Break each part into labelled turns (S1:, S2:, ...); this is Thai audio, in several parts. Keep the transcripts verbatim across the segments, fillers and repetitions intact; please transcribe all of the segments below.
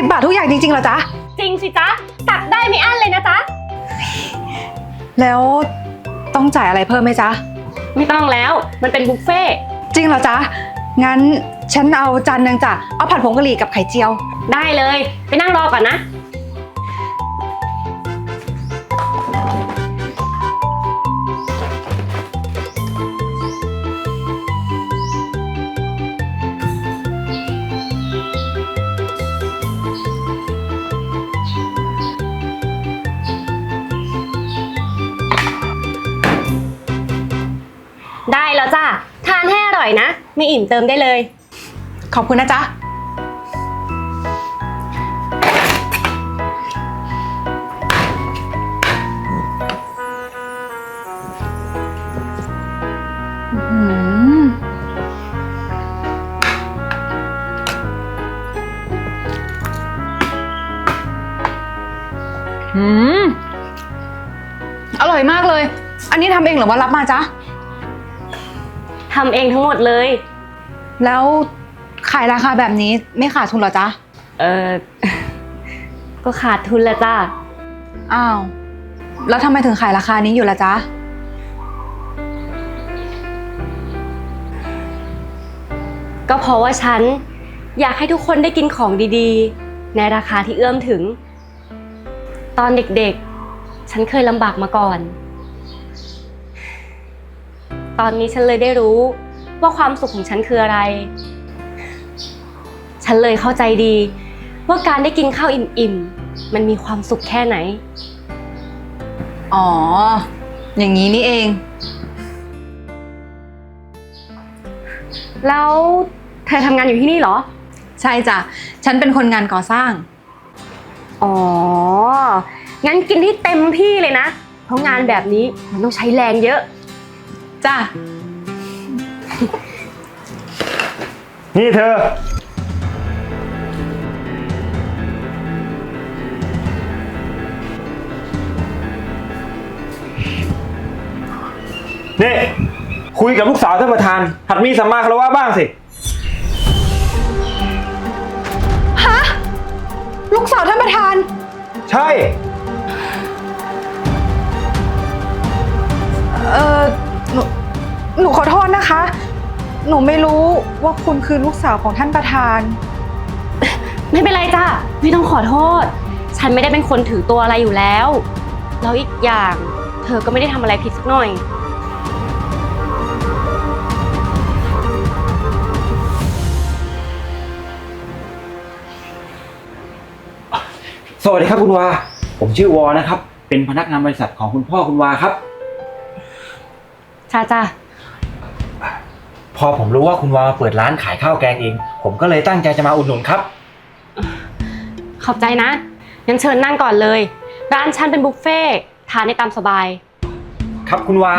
S1: บบาททุกอย่างจริงๆเหรอจ๊ะ
S2: จริงสิจ๊ะตักได้ไม่อั้นเลยนะจ๊ะ
S1: แล้วต้องจ่ายอะไรเพิ่มไหมจ๊ะ
S2: ไม่ต้องแล้วมันเป็นบุฟเฟ่
S1: จริงเหรอจ๊ะงั้นฉันเอาจานหนึ่งจ้ะเอาผัดผงกะหรี่กับไข่เจียว
S2: ได้เลยไปนั่งรอก่อนนะได้แล้วจ้ะทานให้อร่อยนะไม่อิ่มเติมได้เลย
S1: ขอบคุณนะจ๊ะอืมอร่อยมากเลยอันนี้ทำเองหรือว่ารับมาจ๊ะ
S2: ทำเองทั้งหมดเลย
S1: แล้วขายราคาแบบนี้ไม่ขาดทุนเหรอจ๊ะ
S2: เออก็ขาดทุนละจ้ะ
S1: อ้าวแล้วทำไมถึงขายราคานี้อยู่ล่ะจ๊ะ
S2: ก็เพราะว่าฉันอยากให้ทุกคนได้กินของดีๆในราคาที่เอื้อมถึงตอนเด็กๆฉันเคยลำบากมาก่อนตอนนี้ฉันเลยได้รู้ว่าความสุขของฉันคืออะไรฉันเลยเข้าใจดีว่าการได้กินข้าวอิ่มๆมันมีความสุขแค่ไหน
S1: อ๋ออย่างนี้นี่เอง
S2: แล้วเธอทำงานอยู่ที่นี่เหรอ
S1: ใช่จ้ะฉันเป็นคนงานก่อสร้าง
S2: อ๋องั้นกินที่เต็มที่เลยนะเพราะงานแบบนี้มันต้องใช้แรงเยอะ
S1: จ้ะ
S3: นี่เธอนี่คุยกับลูกสาวท่านประธานหัดมีสัมมาคารวะบ้างสิ
S1: ฮะลูกสาวท่านประธาน
S3: ใช่
S1: เออหนูหนูขอโทษนะคะหนูไม่รู้ว่าคุณคือลูกสาวของท่านประธาน
S2: ไม่เป็นไรจ้ะไม่ต้องขอโทษฉันไม่ได้เป็นคนถือตัวอะไรอยู่แล้วแล้วอีกอย่างเธอก็ไม่ได้ทำอะไรผิดสักหน่อย
S3: สวัสดีครับคุณวาผมชื่อวอนะครับเป็นพนักงานบริษัทของคุณพ่อคุณวาครับ
S2: จ้าจ้า
S3: พอผมรู้ว่าคุณวาเปิดร้านขายข้าวแกงเองผมก็เลยตั้งใจจะมาอุดหนุนครับ
S2: ขอบใจนะงั้นเชิญนั่งก่อนเลยร้านฉันเป็นบุฟเฟ่ทานได้ตามสบาย
S3: ครับคุณวา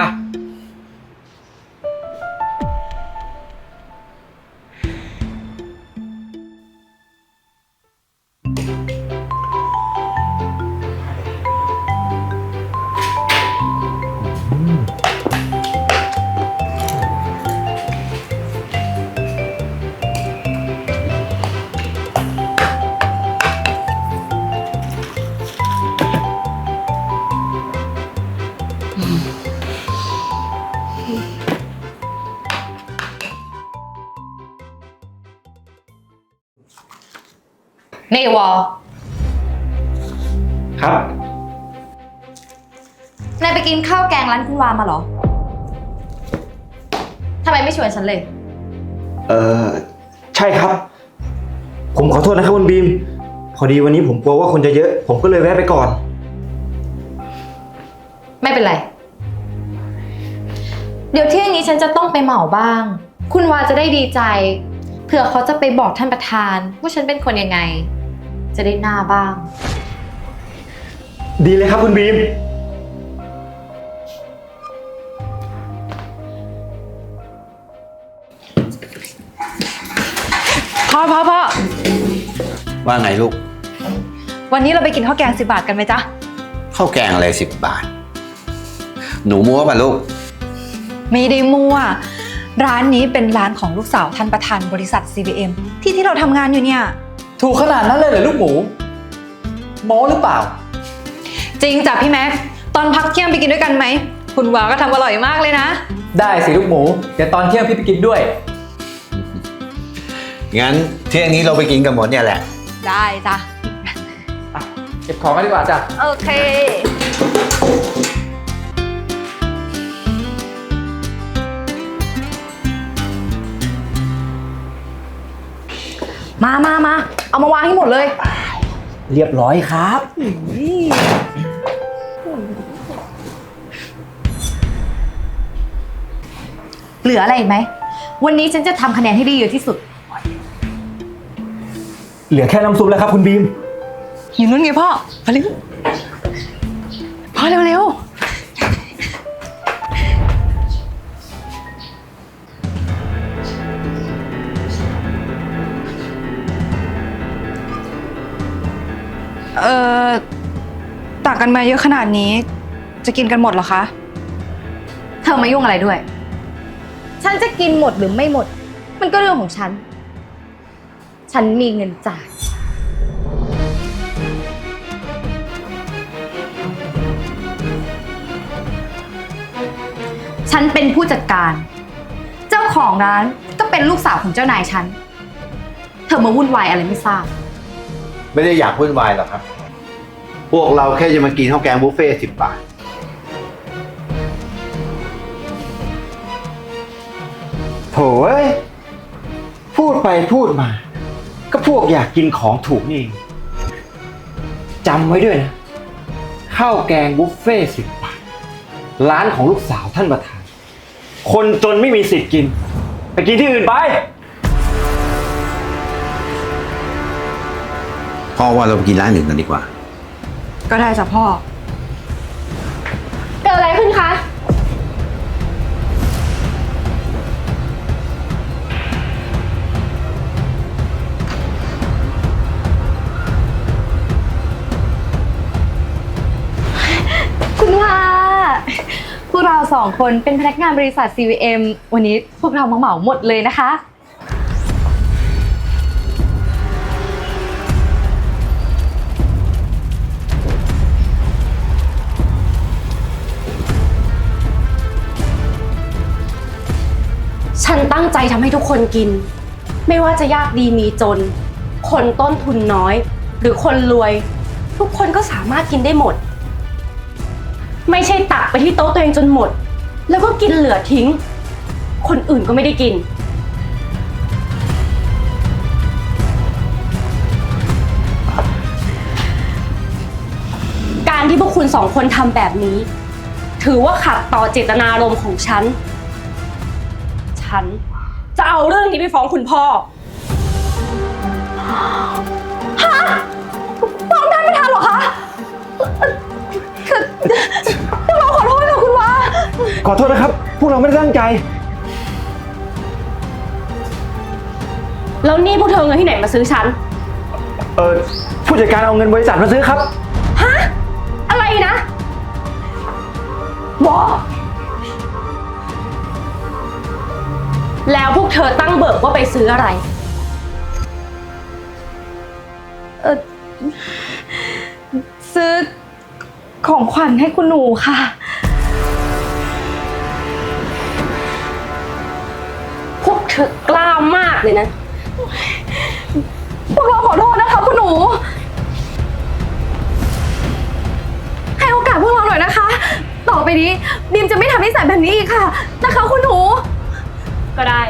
S1: นี่วอ
S3: ครับ
S1: นายไปกินข้าวแกงร้านคุณวามาเหรอทำไมไม่ชวนฉันเลย
S3: เออใช่ครับผมขอโทษนะครับคุณบีมพอดีวันนี้ผมกลัวว่าคนจะเยอะผมก็เลยแวะไปก่อน
S4: ไม่เป็นไรเดี๋ยวเที่ยงนี้ฉันจะต้องไปเหมาบ้างคุณวาจะได้ดีใจเผื่อเขาจะไปบอกท่านประธานว่าฉันเป็นคนยังไงจะได้หน้าบ้าง
S3: ดีเลยครับคุณบีม
S1: พ่อพ่อพ่อ
S5: ว่าไงลูก
S1: วันนี้เราไปกินข้าวแกงสิบบาทกันไหมจ๊ะ
S5: ข้าวแกงอะไรสิบบาทหนูมั่วป่ะลูก
S1: ไม่ได้มั่วร้านนี้เป็นร้านของลูกสาวท่านประธานบริษัท ซี บี เอ็ม ที่ที่เราทำงานอยู่เนี่ย
S5: ท
S6: ถูกขนาดนั้นเลยเหรอลูกหมูโม้หรือเปล่า
S1: จริงจ้ะพี่แม็ก ตอนพักเที่ยงไปกินด้วยกันไหม คุณวาก็ทำอร่อยมากเลยนะ
S6: ได้สิลูกหมู เดี๋ยวตอนเที่ยงพี่ไปกินด้วย
S5: งั้นเที่ยงนี้เราไปกินกันหมดเนี่ยแหละ
S1: ได้จ้ะ
S6: เก็บของกันดีกว่าจ้ะ
S1: โอเค มามามา เอามาวางให้หมดเลย
S6: เรียบร้อยครับ
S4: เหลืออะไรอีกไหม วันนี้ฉันจะทำคะแนนให้ได้เยอะที่สุด
S3: เหลือแค่น้ำซุปแล้วครับคุณบีม
S1: อยู่นู้นไงพ่อ มาเร็วพ่อเร็วเร็วเอ่อตักกันมาเยอะขนาดนี้ จะกินกันหมดเหรอคะ
S4: เธอมายุ่งอะไรด้วย ฉันจะกินหมดหรือไม่หมด มันก็เรื่องของฉัน ฉันมีเงินจ่าย ฉันเป็นผู้จัดการ เจ้าของร้านก็เป็นลูกสาวของเจ้านายฉัน เธอมาวุ่นวายอะไรไม่ทราบ
S5: ไม่ได้อยากวุ่นวายหรอกครับ พวกเราแค่จะมากินข้าวแกงบุฟเฟ่สิบบาท
S3: โถ่เอ้ย พูดไปพูดมา ก็พวกอยากกินของถูกนี่เองจำไว้ด้วยนะ ข้าวแกงบุฟเฟ่สิบบาท ร้านของลูกสาวท่านประธาน คนจนไม่มีสิทธิ์กิน ไปกินที่อื่นไป
S5: พ่อว่าเราไปกินร้านอื่นกันดีกว่า
S1: ก็ได้จ้ะพ่อ
S2: เกิดอะไรขึ้นคะ
S4: คุณว่าพวกเราสองคนเป็นพนักงานบริษัท ซี วี เอ็ม วันนี้พวกเรามาเหมาหมดเลยนะคะ
S2: ฉันตั้งใจทำให้ทุกคนกิน ไม่ว่าจะยากดีมีจน คนต้นทุนน้อย หรือคนรวย ทุกคนก็สามารถกินได้หมด ไม่ใช่ตักไปที่โต๊ะตัวเองจนหมด แล้วก็กินเหลือทิ้ง คนอื่นก็ไม่ได้กิน การที่พวกคุณสองคนทำแบบนี้ ถือว่าขัดต่อเจตนารมณ์ของฉัน ฉันจะเอาเรื่องนี้ไปฟ้องคุณพ่อ
S1: ฟ้องท่านประธานเหรอคะคือพวกเราขอโทษค่ะคุณวา
S3: ขอโทษนะครับ พวกเราไม่ได้ตั้งใจ
S2: แล้วนี่พวกเธอเอาเงินที่ไหนมาซื้อฉัน
S3: เออผู้จัดการเอาเงินบริษัทมาซื้อครับ
S2: ฮะ อะไรนะบอแล้วพวกเธอตั้งเบิกว่าไปซื้ออะไร
S1: เออซื้อของขวัญให้คุณหนูค่ะ
S2: พวกเธอกล้ามากเลยนะ
S1: พวกเราขอโทษนะคะคุณหนู ให้โอกาสพวกเราหน่อยนะคะ ต่อไปนี้บีมจะไม่ทำนิสัยแบบนี้อีกค่ะนะคะคุณหนู
S2: ก็ได้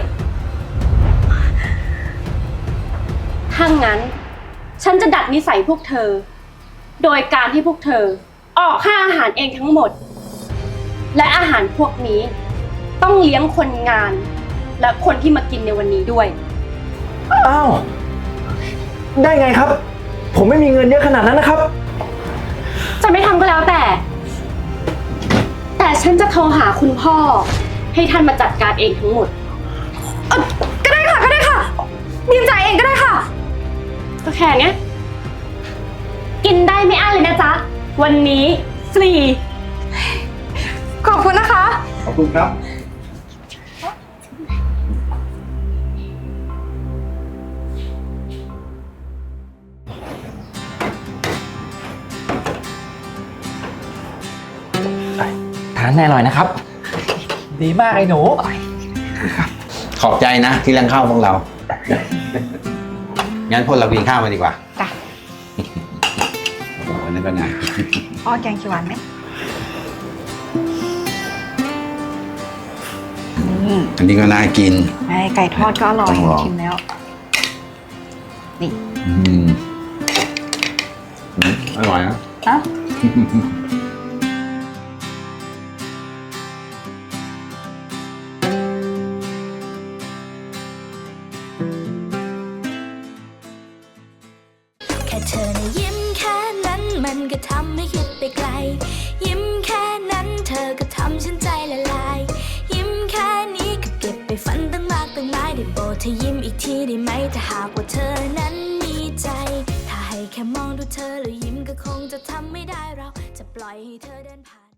S2: ถ้างั้น ฉันจะดัดนิสัยพวกเธอ โดยการที่พวกเธอ ออกค่าอาหารเองทั้งหมด และอาหารพวกนี้ ต้องเลี้ยงคนงาน และคนที่มากินในวันนี้ด้วย
S3: อ้าว ได้ไงครับ ผมไม่มีเงินเยอะขนาดนั้นนะครับ
S2: จะไม่ทำก็แล้วแต่ แต่ฉันจะโทรหาคุณพ่อ ให้ท่านมาจัดการเองทั้งหมด
S1: เอ่อก็ได้ค่ะก็ได้ค่ะบีมจ่ายเองก็ได้ค่ะ
S2: ก็แค่เนี้ย กินได้ไม่อั้นเลยนะจ๊ะ วันนี้ฟรี
S1: ขอบคุณนะคะ
S5: ขอบคุณครับ
S1: เ
S3: านให้อร่อยนะครับ
S6: ดีมากไอ้หนู
S5: ขอบใจนะที่เลี้ยงข้าวพวกเรา งั้นพวกเรากินข้าวมาดีกว่า
S1: จ้ะ
S5: โอ้โหนั่นก็น่ากิน
S1: อ้อแกงเขียวหวานไหม
S5: อันนี้ก็น่ากิน
S1: ไอ้ไก่ทอดก็อร่อย
S5: ต้องลอง
S1: ชิมแล้ว นี่
S5: อืมอืมอร่อยนะ
S1: เอ้า
S7: แค่เธอนะยิ้มแค่นั้นมันก็ทำให้คิดไปไกล ยิ้มแค่นั้นเธอก็ทำฉันใจละลาย ยิ้มแค่นี้ก็เก็บไปฝันตั้งมากตั้งหลายได้โปรดเธอยิ้มอีกทีได้ไหมถ้าหากว่าเธอนั้นมีใจ ถ้าให้แค่มองดูเธอแล้วยิ้มก็คงจะทำไม่ได้เราจะปล่อยให้เธอเดินผ่าน